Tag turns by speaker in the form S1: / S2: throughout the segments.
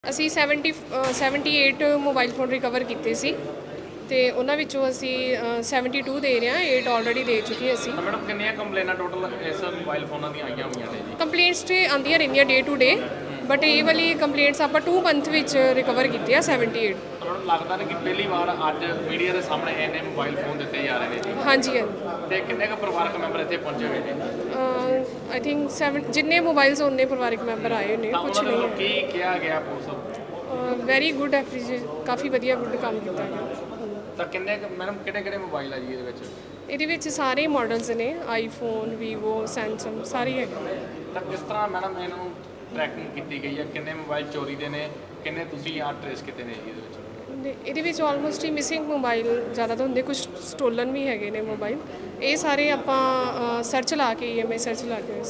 S1: ਅਸੀਂ 78 mobile phone recover ਕੀਤੇ ਸੀ ਤੇ ਉਹਨਾਂ ਵਿੱਚੋਂ ਅਸੀਂ 72 ਦੇ ਰਹੇ ਹਾਂ, 8 ਆਲਰੇਡੀ ਦੇ ਚੁੱਕੇ ਅਸੀਂ।
S2: ਤਾਂ ਮੈਡਮ ਕਿੰਨੀਆਂ ਕੰਪਲੇਨਾਂ ਟੋਟਲ ਇਸ ਮੋਬਾਈਲ ਫੋਨਾਂ ਦੀਆਂ ਆਈਆਂ ਹੋਈਆਂ ਨੇ ਜੀ?
S1: ਕੰਪਲੇਂਟਸ ਤੇ ਆਉਂਦੀਆਂ ਰਹਿੰਦੀਆਂ ਡੇ ਟੂ ਡੇ, ਬਟ ਇਹ ਵਾਲੀ ਕੰਪਲੇਂਟਸ ਆਪਾਂ 2 ਮੰਥ ਵਿੱਚ ਰਿਕਵਰ ਕੀਤੀ ਆ 78।
S2: ਤੁਹਾਨੂੰ ਲੱਗਦਾ ਨਾ ਕਿ ਪਹਿਲੀ ਵਾਰ ਅੱਜ ਮੀਡੀਆ ਦੇ ਸਾਹਮਣੇ ਇੰਨੇ ਮੋਬਾਈਲ ਫੋਨ ਦਿੱਤੇ ਜਾ ਰਹੇ ਨੇ ਜੀ?
S1: ਹਾਂਜੀ ਹਾਂਜੀ।
S2: ਤੇ ਕਿੰਨੇ ਕੁ ਪਰਿਵਾਰਕ ਮੈਂਬਰ ਇੱਥੇ ਪਹੁੰਚੇ ਹੋਏ ਨੇ?
S1: ਆਈ ਥਿੰਕ 7 ਜਿੰਨੇ ਮੋਬਾਈਲਸ ਉਹਨੇ ਪਰਿਵਾਰਕ ਮੈਂਬਰ ਆਏ ਨੇ,
S2: ਤਾਂ
S1: ਕੁਝ
S2: ਉਹਨਾਂ
S1: ਨਹੀਂ
S2: ਵੱਲੋਂ ਕੀ ਕਿਹਾ ਗਿਆ ਪੁਲਿਸ?
S1: ਵੈਰੀ ਗੁੱਡ ਐਪਰੀਸ਼ੀਏਟ, ਕਾਫੀ ਵਧੀਆ ਗੁੱਡ ਕੰਮ ਕੀਤਾ ਗਿਆ।
S2: ਤਾਂ ਕਿੰਨੇ ਮੈਡਮ ਕਿਹੜੇ ਮੋਬਾਈਲ ਆ ਜੀ ਇਹਦੇ ਵਿੱਚ?
S1: ਇਹਦੇ ਵਿੱਚ ਸਾਰੇ ਮਾਡਲਸ ਨੇ, ਆਈਫੋਨ, ਵੀਵੋ, ਸੈਮਸੰਗ ਸਾਰੇ ਹੈਗੇ।
S2: ਤਾਂ ਕਿਸ ਤਰ੍ਹਾਂ ਮੈਡਮ ਇਹਨੂੰ ਟਰੈਕਿੰਗ ਕੀਤੀ ਗਈ ਹੈ? ਕਿੰਨੇ ਮੋਬਾਈਲ ਚੋਰੀ ਦੇ ਨੇ, ਕਿੰਨੇ ਤੁਸੀਂ ਆ ਟ੍ਰੇਸ ਕੀਤੇ ਨੇ ਜੀ ਇਹਦੇ ਵਿੱਚ?
S1: ਇਹਦੇ ਵਿੱਚ ਆਲਮੋਸਟ ਹੀ ਮਿਸਿੰਗ ਮੋਬਾਈਲ ਜ਼ਿਆਦਾ ਤਾਂ ਹੁੰਦੇ, ਕੁਝ ਸਟੋਲਨ ਵੀ ਹੈਗੇ ਨੇ ਮੋਬਾਈਲ। ਇਹ ਸਾਰੇ ਆਪਾਂ ਸਰਚ ਲਾ ਕੇ EMI ਸਰਚ ਲਾ ਕੇ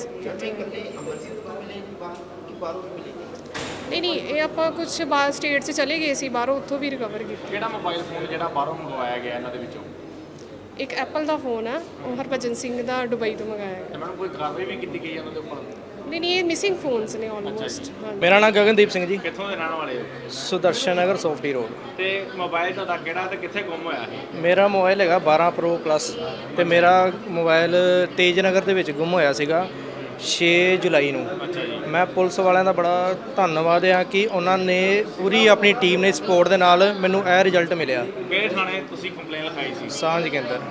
S1: ਨਹੀਂ ਇਹ ਆਪਾਂ ਕੁਝ ਬਾਹਰ ਸਟੇਟ 'ਚ ਚਲੇ ਗਏ ਸੀ, ਬਾਹਰੋਂ ਉੱਥੋਂ ਵੀ ਰਿਕਵਰ ਕੀਤਾ।
S2: ਕਿਹੜਾ ਮੋਬਾਈਲ ਫੋਨ ਜਿਹੜਾ ਬਾਹਰੋਂ ਮੰਗਵਾਇਆ ਗਿਆ ਇਹਨਾਂ ਦੇ ਵਿੱਚੋਂ?
S1: ਇੱਕ ਐਪਲ ਦਾ ਫੋਨ ਆ, ਉਹ ਹਰਭਜਨ ਸਿੰਘ ਦਾ ਦੁਬਈ ਤੋਂ ਮੰਗਾਇਆ ਗਿਆ।
S2: ਤੇ ਮੈਡਮ ਕੋਈ ਕਾਰਵਾਈ ਵੀ ਕੀਤੀ ਗਈ ਇਹਨਾਂ ਦੇ ਉੱਪਰ?
S1: ਨਹੀਂ ਇਹ ਮਿਸਿੰਗ ਫੋਨਸ ਨੇ ਆਲਮੋਸਟ।
S3: ਮੇਰਾ ਨਾਮ ਗਗਨਦੀਪ ਸਿੰਘ ਜੀ,
S2: ਕਿੱਥੋਂ ਦੇ ਰਹਿਣ ਵਾਲੇ ਹੋ?
S3: ਸੁਦਰਸ਼ਨ ਨਗਰ ਸੌਫਟੀ ਰੋਡ।
S2: ਤੇ ਮੋਬਾਈਲ ਤੁਹਾਡਾ ਕਿਹੜਾ ਤੇ ਕਿੱਥੇ ਗੁੰਮ ਹੋਇਆ ਹੈ?
S3: ਮੇਰਾ ਮੋਬਾਈਲ ਹੈਗਾ 12 Pro Plus ਤੇ ਮੇਰਾ ਮੋਬਾਈਲ ਤੇਜ ਨਗਰ ਦੇ ਵਿੱਚ ਗੁੰਮ ਹੋਇਆ ਸੀਗਾ 6 ਜੁਲਾਈ ਨੂੰ।
S2: ਅੱਛਾ ਜੀ।
S3: ਮੈਂ ਪੁਲਿਸ ਵਾਲਿਆਂ ਦਾ ਬੜਾ ਧੰਨਵਾਦ ਆ ਕਿ ਉਹਨਾਂ ਨੇ ਪੂਰੀ ਆਪਣੀ ਟੀਮ ਨੇ ਸਪੋਰਟ ਦੇ ਨਾਲ ਮੈਨੂੰ ਇਹ ਰਿਜ਼ਲਟ ਮਿਲਿਆ।
S2: ਕਿਹੜੇ ਥਾਣੇ ਤੁਸੀਂ ਕੰਪਲੇਨ ਲਿਖਾਈ ਸੀ?
S3: ਸਾਂਝ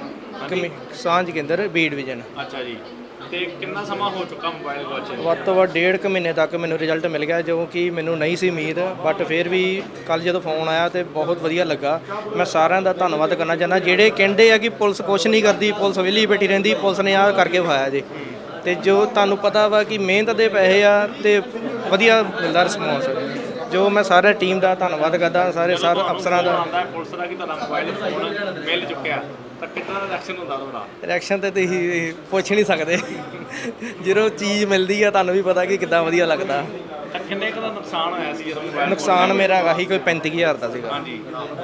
S3: ਕੇਂਦਰ ਬੀ ਡਿਵੀਜ਼ਨ।
S2: ਅੱਛਾ ਜੀ। ਤੇ ਕਿੰਨਾ ਸਮਾਂ ਹੋ ਚੁੱਕਾ ਮੋਬਾਈਲ ਗਵਾਚੇ?
S3: ਵੱਧ ਤੋਂ ਵੱਧ 1.5 ਮਹੀਨੇ ਤੱਕ ਮੈਨੂੰ ਰਿਜ਼ਲਟ ਮਿਲ ਗਿਆ, ਜੋ ਕਿ ਮੈਨੂੰ ਨਹੀਂ ਸੀ ਉਮੀਦ, ਬਟ ਫਿਰ ਵੀ ਕੱਲ ਜਦੋਂ ਫੋਨ ਆਇਆ ਤੇ ਬਹੁਤ ਵਧੀਆ ਲੱਗਾ। ਮੈਂ ਸਾਰਿਆਂ ਦਾ ਧੰਨਵਾਦ ਕਰਨਾ ਚਾਹੁੰਦਾ ਜਿਹੜੇ ਕਹਿੰਦੇ ਆ ਕਿ ਪੁਲਿਸ ਕੁਛ ਨਹੀਂ ਕਰਦੀ, ਪੁਲਿਸ ਵਿਹਲੀ ਬੈਠੀ ਰਹਿੰਦੀ, ਪੁਲਿਸ ਨੇ ਆਹ ਕਰਕੇ ਵਿਖਾਇਆ ਜੀ। ਤੇ ਜੋ ਤੁਹਾਨੂੰ ਪਤਾ ਵਾ ਕਿ ਮਿਹਨਤ ਦੇ ਪੈਸੇ ਆ ਤੇ ਵਧੀਆ ਮਿਲਦਾ ਰਿਸਪੌਂਸ। ਜੋ ਮੈਂ ਸਾਰੇ ਟੀਮ ਦਾ ਧੰਨਵਾਦ ਕਰਦਾ, ਸਾਰੇ ਅਫਸਰਾਂ ਦਾ।
S2: ਪੁਲਿਸ ਦਾ ਕਿ ਤੁਹਾਡਾ ਮੋਬਾਈਲ ਫੋਨ ਮਿਲ ਚੁੱਕਿਆ ਤਾਂ ਕਿੰਨਾ ਰਿਐਕਸ਼ਨ ਹੁੰਦਾ ਤੁਹਾਡਾ?
S3: ਰਿਐਕਸ਼ਨ ਤੇ ਤੁਸੀਂ ਪੁੱਛ ਨਹੀਂ ਸਕਦੇ। ਜਦੋਂ ਚੀਜ਼ ਮਿਲਦੀ ਆ ਤੁਹਾਨੂੰ ਵੀ ਪਤਾ ਕਿ ਕਿੱਦਾਂ ਵਧੀਆ ਲੱਗਦਾ।
S2: ਤਾਂ ਕਿੰਨੇ ਕੁ ਦਾ ਨੁਕਸਾਨ ਹੋਇਆ ਸੀ ਜਦੋਂ ਮੋਬਾਈਲ?
S3: ਨੁਕਸਾਨ ਮੇਰਾ ਹੈਗਾ ਸੀ ਕੋਈ 35,000 ਦਾ ਸੀਗਾ।
S2: ਹਾਂਜੀ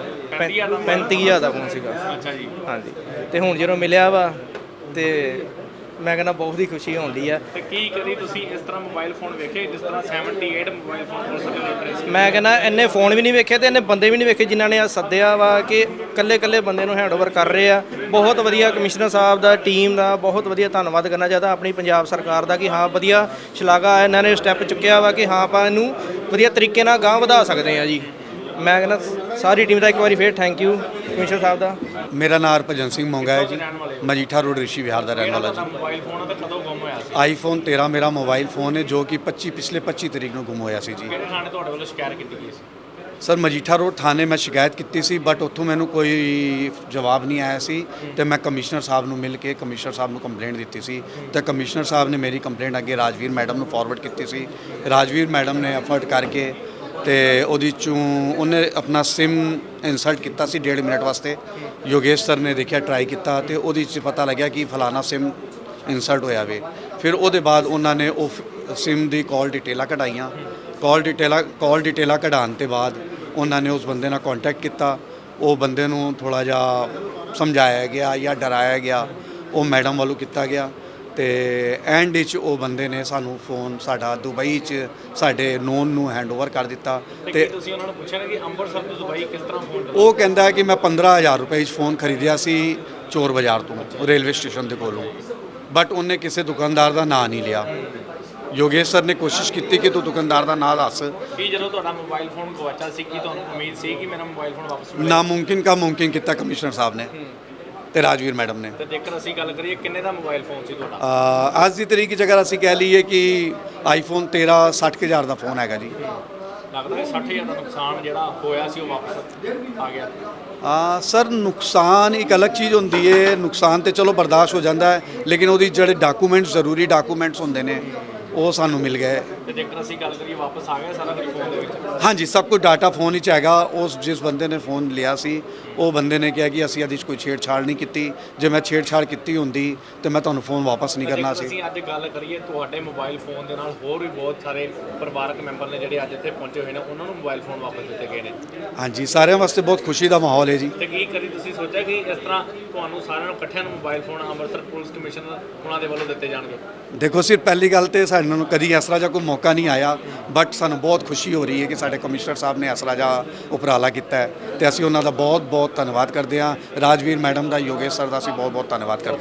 S3: 35,000 ਦਾ ਫੋਨ ਸੀਗਾ।
S2: ਅੱਛਾ ਜੀ।
S3: ਹਾਂਜੀ। ਤੇ ਹੁਣ ਜਦੋਂ ਮਿਲਿਆ ਵਾ ਤੇ ਮੈਂ ਕਹਿੰਦਾ ਬਹੁਤ ਹੀ ਖੁਸ਼ੀ ਹੁੰਦੀ ਆ।
S2: ਤੇ ਕੀ ਕਰੀ ਤੁਸੀਂ ਇਸ ਤਰ੍ਹਾਂ ਮੋਬਾਈਲ ਫੋਨ ਵੇਖੇ ਜਿਸ ਤਰ੍ਹਾਂ 78 ਮੋਬਾਈਲ ਫੋਨ ਪੁਲਿਸ ਦੇ ਟ੍ਰੇਸ?
S3: ਮੈਂ ਕਹਿੰਦਾ ਇੰਨੇ ਫੋਨ ਵੀ ਨਹੀਂ ਵੇਖੇ ਤੇ ਇੰਨੇ ਬੰਦੇ ਵੀ ਨਹੀਂ ਵੇਖੇ ਜਿਨ੍ਹਾਂ ਨੇ ਆ ਸੱਦਿਆ ਵਾ ਕਿ ਕੱਲੇ ਬੰਦੇ ਨੂੰ ਹੈਂਡਓਵਰ ਕਰ ਰਹੇ ਆ। ਬਹੁਤ ਵਧੀਆ ਕਮਿਸ਼ਨਰ ਸਾਹਿਬ ਦਾ, ਟੀਮ ਦਾ ਬਹੁਤ ਵਧੀਆ ਧੰਨਵਾਦ ਕਰਨਾ ਚਾਹੁੰਦਾ, ਆਪਣੀ ਪੰਜਾਬ ਸਰਕਾਰ ਦਾ ਕਿ ਹਾਂ ਵਧੀਆ ਸ਼ਲਾਘਾ ਇਹਨਾਂ ਨੇ ਸਟੈਪ ਚੁੱਕਿਆ ਵਾ ਕਿ ਹਾਂ ਆਪਾਂ ਇਹਨੂੰ ਵਧੀਆ ਤਰੀਕੇ ਨਾਲ ਗਾਂਹ ਵਧਾ ਸਕਦੇ ਆ ਜੀ। ਮੈਂ ਕਹਿੰਦਾ ਸਾਰੀ ਟੀਮ ਦਾ ਇੱਕ ਵਾਰੀ ਫੇਰ ਥੈਂਕ ਯੂ ਕਮਿਸ਼ਨਰ ਸਾਹਿਬ ਦਾ।
S4: ਮੇਰਾ ਨਾਮ ਹਰਭਜਨ ਸਿੰਘ ਮੋਂਗਾ ਹੈ ਜੀ, ਮਜੀਠਾ ਰੋਡ ਰਿਸ਼ੀ ਵਿਹਾਰ ਦਾ ਰਹਿਣ ਵਾਲਾ ਜੀ।
S2: ਮੋਬਾਈਲ ਫੋਨ ਤਾਂ ਕਦੋਂ ਗੁੰਮ ਹੋਇਆ ਸੀ?
S4: ਆਈਫੋਨ 13 ਮੇਰਾ ਮੋਬਾਈਲ ਫੋਨ ਹੈ ਜੋ ਕਿ ਪਿਛਲੇ 25 ਤਰੀਕ ਨੂੰ ਗੁੰਮ ਹੋਇਆ ਸੀ ਜੀ।
S2: ਕਿਹੜੇ ਥਾਣੇ ਤੁਹਾਡੇ ਵੱਲੋਂ ਸ਼ਿਕਾਇਤ ਕੀਤੀ ਗਈ ਸੀ?
S4: ਸਰ ਮਜੀਠਾ ਰੋਡ ਥਾਣੇ ਮੈਂ ਸ਼ਿਕਾਇਤ ਕੀਤੀ ਸੀ, ਬਟ ਉੱਥੋਂ ਮੈਨੂੰ ਕੋਈ ਜਵਾਬ ਨਹੀਂ ਆਇਆ ਸੀ ਤੇ ਮੈਂ ਕਮਿਸ਼ਨਰ ਸਾਹਿਬ ਨੂੰ ਮਿਲ ਕੇ ਕਮਿਸ਼ਨਰ ਸਾਹਿਬ ਨੂੰ ਕੰਪਲੇਂਟ ਦਿੱਤੀ ਸੀ ਤੇ ਕਮਿਸ਼ਨਰ ਸਾਹਿਬ ਨੇ ਮੇਰੀ ਕੰਪਲੇਂਟ ਅੱਗੇ ਰਾਜਵੀਰ ਮੈਡਮ ਨੂੰ ਫਾਰਵਰਡ ਕੀਤੀ ਸੀ। ਰਾਜਵੀਰ ਮੈਡਮ ਨੇ ਐਫਰਟ ਕਰਕੇ ਤੇ ਉਹਦੀ ਚੋਂ ਉਹਨੇ ਆਪਣਾ ਸਿਮ ਇਨਸਰਟ ਕੀਤਾ ਸੀ 1.5 ਮਿੰਟ ਵਾਸਤੇ। ਯੋਗੇਸ਼ ਸਰ ਨੇ ਦੇਖਿਆ, ਟਰਾਈ ਕੀਤਾ ਤੇ ਉਹਦੇ 'ਚ ਪਤਾ ਲੱਗਿਆ ਕਿ ਫਲਾਣਾ ਸਿਮ ਇਨਸਰਟ ਹੋਇਆ ਵੇ। ਫਿਰ ਉਹਦੇ ਬਾਅਦ ਉਹਨਾਂ ਨੇ ਉਹ ਸਿਮ ਦੀ ਕਾਲ ਡਿਟੇਲਾਂ ਕਢਾਈਆਂ। ਕਾਲ ਡਿਟੇਲਾਂ ਕਢਾਉਣ ਤੋਂ ਬਾਅਦ ਉਹਨਾਂ ਨੇ ਉਸ ਬੰਦੇ ਨਾਲ ਕੰਟੈਕਟ ਕੀਤਾ। ਉਹ ਬੰਦੇ ਨੂੰ ਥੋੜ੍ਹਾ ਜਿਹਾ ਸਮਝਾਇਆ ਗਿਆ ਜਾਂ ਡਰਾਇਆ ਗਿਆ, ਉਹ ਮੈਡਮ ਵੱਲੋਂ ਕੀਤਾ ਗਿਆ ਤੇ ਐਂਡ ਵਿੱਚ ਉਹ ਬੰਦੇ ਨੇ ਸਾਨੂੰ ਫੋਨ ਸਾਡਾ ਦੁਬਈ 'ਚ ਸਾਡੇ ਨੋਨ ਨੂੰ ਹੈਂਡਓਵਰ ਕਰ ਦਿੱਤਾ। ਤੇ
S2: ਤੁਸੀਂ ਉਹਨਾਂ ਨੂੰ ਪੁੱਛਿਆ ਕਿ ਅੰਮ੍ਰਿਤਸਰ ਤੋਂ ਦੁਬਈ ਕਿਸ ਤਰ੍ਹਾਂ ਫੋਨ?
S4: ਉਹ ਕਹਿੰਦਾ ਕਿ ਮੈਂ 15,000 ਰੁਪਏ 'ਚ ਫੋਨ ਖਰੀਦਿਆ ਸੀ ਚੋਰ ਬਾਜ਼ਾਰ ਤੋਂ, ਰੇਲਵੇ ਸਟੇਸ਼ਨ ਦੇ ਕੋਲੋਂ, ਬਟ ਉਹਨੇ ਕਿਸੇ ਦੁਕਾਨਦਾਰ ਦਾ ਨਾਂ ਨਹੀਂ ਲਿਆ। ਯੋਗੇਸ਼ ਸਰ ਨੇ ਕੋਸ਼ਿਸ਼ ਕੀਤੀ ਕਿ ਤੂੰ ਦੁਕਾਨਦਾਰ ਦਾ ਨਾਂ ਦੱਸ।
S2: ਕੀ ਜਦੋਂ ਤੁਹਾਡਾ ਮੋਬਾਈਲ ਫੋਨ ਗਵਾਚਾ ਸੀ ਕੀ ਤੁਹਾਨੂੰ ਉਮੀਦ ਸੀ ਕਿ ਮੇਰਾ ਮੋਬਾਈਲ ਫੋਨ ਵਾਪਸ ਮਿਲੇਗਾ?
S4: ਨਾਮੁਮਕਿਨ ਕਾ ਮੁਮਕਿਨ ਕੀਤਾ ਕਮਿਸ਼ਨਰ ਸਾਹਿਬ ਨੇ ਤੇ ਰਾਜਵੀਰ ਮੈਡਮ ਨੇ।
S2: ਤੇ ਜੇਕਰ ਅਸੀਂ ਗੱਲ ਕਰੀਏ ਕਿੰਨੇ ਦਾ ਮੋਬਾਈਲ ਫੋਨ ਸੀ ਤੁਹਾਡਾ?
S4: ਅੱਜ ਦੀ ਤਰੀਕ ਜੇਕਰ ਅਸੀਂ ਕਹਿ ਲਈਏ ਕਿ ਆਈਫੋਨ 13 60,000 ਦਾ ਫੋਨ ਹੈਗਾ ਜੀ।
S2: ਲੱਗਦਾ ਹੈ 60,000 ਦਾ ਨੁਕਸਾਨ ਜਿਹੜਾ ਹੋਇਆ ਸੀ ਉਹ ਵਾਪਸ ਆ ਗਿਆ?
S4: ਸਰ ਨੁਕਸਾਨ ਇੱਕ ਅਲੱਗ ਚੀਜ਼ ਹੁੰਦੀ ਹੈ। ਨੁਕਸਾਨ ਤੇ ਚਲੋ ਬਰਦਾਸ਼ਤ ਹੋ ਜਾਂਦਾ ਹੈ, ਲੇਕਿਨ ਉਹਦੀ ਜਿਹੜੇ ਡਾਕੂਮੈਂਟਸ ਜ਼ਰੂਰੀ ਡਾਕੂਮੈਂਟਸ ਹੁੰਦੇ ਨੇ ਉਹ ਸਾਨੂੰ ਮਿਲ ਗਏ।
S2: ਤੇ ਜੇਕਰ ਅਸੀਂ ਗੱਲ ਕਰੀਏ ਵਾਪਸ ਆ ਗਿਆ ਸਾਰਾ ਕੁਝ ਫੋਨ ਦੇ ਵਿੱਚ?
S4: ਹਾਂਜੀ, ਸਭ ਕੁਝ ਡਾਟਾ ਫੋਨ ਵਿੱਚ ਹੈਗਾ। ਉਸ ਜਿਸ ਬੰਦੇ ਨੇ ਫੋਨ ਲਿਆ ਸੀ ਉਹ ਬੰਦੇ ਨੇ ਕਿਹਾ ਕਿ ਅਸੀਂ ਇਹਦੇ 'ਚ ਕੋਈ ਛੇੜਛਾੜ ਨਹੀਂ ਕੀਤੀ। ਜੇ ਮੈਂ ਛੇੜਛਾੜ ਕੀਤੀ ਹੁੰਦੀ ਤੇ ਮੈਂ ਤੁਹਾਨੂੰ ਫੋਨ ਵਾਪਸ ਨਹੀਂ ਕਰਨਾ ਸੀ।
S2: ਅਸੀਂ ਅੱਜ ਗੱਲ ਕਰੀਏ ਤੁਹਾਡੇ ਮੋਬਾਈਲ ਫੋਨ ਦੇ ਨਾਲ ਹੋਰ ਵੀ ਬਹੁਤ ਸਾਰੇ ਪਰਿਵਾਰਕ ਮੈਂਬਰ ਨੇ ਜਿਹੜੇ ਅੱਜ ਇੱਥੇ ਪਹੁੰਚੇ ਹੋਏ ਨੇ, ਉਹਨਾਂ ਨੂੰ ਮੋਬਾਈਲ ਫੋਨ ਵਾਪਸ ਦਿੱਤੇ ਗਏ ਨੇ।
S4: ਹਾਂਜੀ, ਸਾਰਿਆਂ ਵਾਸਤੇ ਬਹੁਤ ਖੁਸ਼ੀ ਦਾ ਮਾਹੌਲ ਹੈ ਜੀ।
S2: ਤੇ ਕੀ ਕਰੀ ਤੁਸੀਂ ਸੋਚਿਆ ਕਿ ਇਸ ਤਰ੍ਹਾਂ ਤੁਹਾਨੂੰ ਸਾਰਿਆਂ ਨੂੰ ਇਕੱਠਿਆਂ ਨੂੰ mobile phone Amritsar police commissioner ਉਹਨਾਂ ਦੇ ਵੱਲੋਂ ਦਿੱਤੇ ਜਾਣਗੇ?
S4: ਦੇਖੋ ਸਿਰ ਪਹਿਲੀ ਗੱਲ ਤੇ ਸਾਡੇ ਇਹਨਾਂ ਨੂੰ ਕਦੀ ਇਸ ਤਰ੍ਹਾਂ ਜਿਹਾ ਕੋਈ ਮੌਕਾ ਨਹੀਂ ਆਇਆ, ਬਟ ਸਾਨੂੰ ਬਹੁਤ ਖੁਸ਼ੀ ਹੋ ਰਹੀ ਹੈ ਕਿ ਸਾਡੇ ਕਮਿਸ਼ਨਰ ਸਾਹਿਬ ਨੇ ਇਸ ਤਰ੍ਹਾਂ ਜਿਹਾ ਉਪਰਾਲਾ ਕੀਤਾ ਹੈ ਤੇ ਅਸੀਂ ਉਹਨਾਂ ਦਾ ਬਹੁਤ ਬਹੁਤ ਧੰਨਵਾਦ ਕਰਦੇ ਹਾਂ। ਰਾਜਵੀਰ ਮੈਡਮ ਦਾ, ਯੋਗੇਸ਼ ਸਰ ਦਾ ਅਸੀਂ ਬਹੁਤ ਬਹੁਤ ਧੰਨਵਾਦ ਕਰਦੇ ਹਾਂ।